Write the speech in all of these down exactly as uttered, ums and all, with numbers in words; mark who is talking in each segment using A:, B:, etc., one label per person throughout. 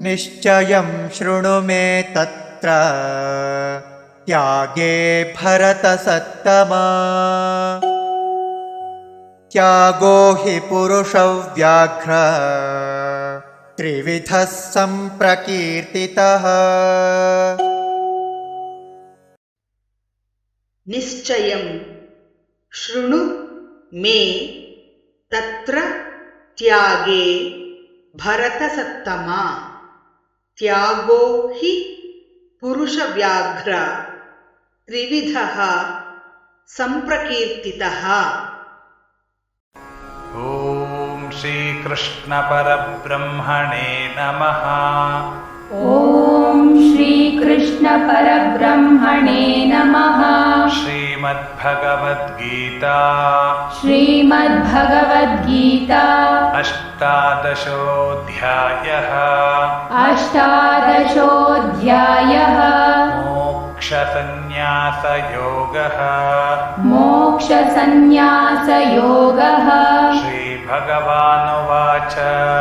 A: निश्चयं शृणु मे तत्र त्यागे भरतसत्तमा। त्यागो हि पुरुषव्याघ्र त्रिविधः सम्प्रकीर्तितः।
B: निश्चयं शृणु मे तत्र त्यागे भरतसत्तमा। त्यागो हि पुरुषव्याघ्र त्रिविधः सम्प्रकीर्तितः।
C: ॐ श्रीकृष्ण परब्रह्मणे नमः।
D: ॐ श्रीकृष्ण परब्रह्मणे नमः।
C: श्रीमद्भगवद्गीता
D: श्रीमद्भगवद्गीता
C: अष्टादशोऽध्यायः।
D: अष्टादशोऽध्यायः।
C: मोक्षसंन्यासयोगः।
D: मोक्षसंन्यासयोगः।
C: श्रीभगवानुवाच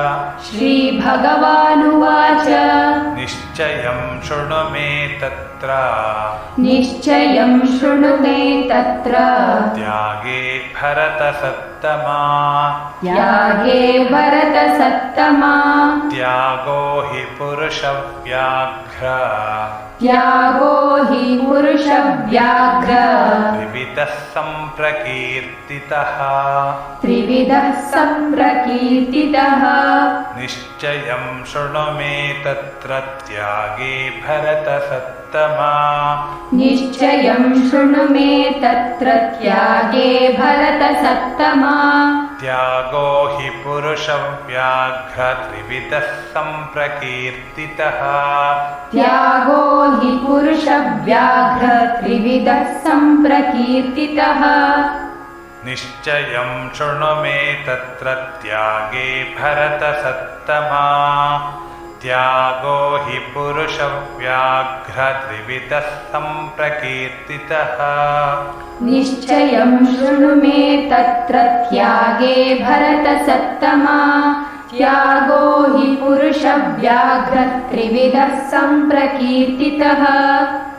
D: श्रीभगवानुवाच
C: निश्चयं शृणु मे तत्र
D: निश्चयं शृणु मे तत्र
C: त्यागे भरतसत्तमा।
D: त्यागे भरतसत्तमा।
C: त्यागो हि पुरुषव्याघ्र
D: त्यागो हि पुरुषव्याघ्र
C: त्रिविधः सम्प्रकीर्तितः।
D: त्रिविधः सम्प्रकीर्तितः।
C: निश्चयं शृणु मे तत्र त्यागे भरतसत्तमा।
D: निश्चयं शृणु मे तत्र त्यागे भरतसत्तमा।
C: त्यागो हि पुरुषव्याघ्र त्रिविधः सम्प्रकीर्तितः।
D: त्यागो हि पुरुषव्याघ्र त्रिविधः सम्प्रकीर्तितः।
C: निश्चयं शृणु मे तत्र त्यागे भरतसत्तमा। त्यागो हि पुरुषव्याघ्र त्रिविधः सम्प्रकीर्तितः।
D: निश्चयं शृणु मे तत्र त्यागे भरतसत्तमा। त्यागो हि पुरुषव्याघ्र त्रिविधः सम्प्रकीर्तितः।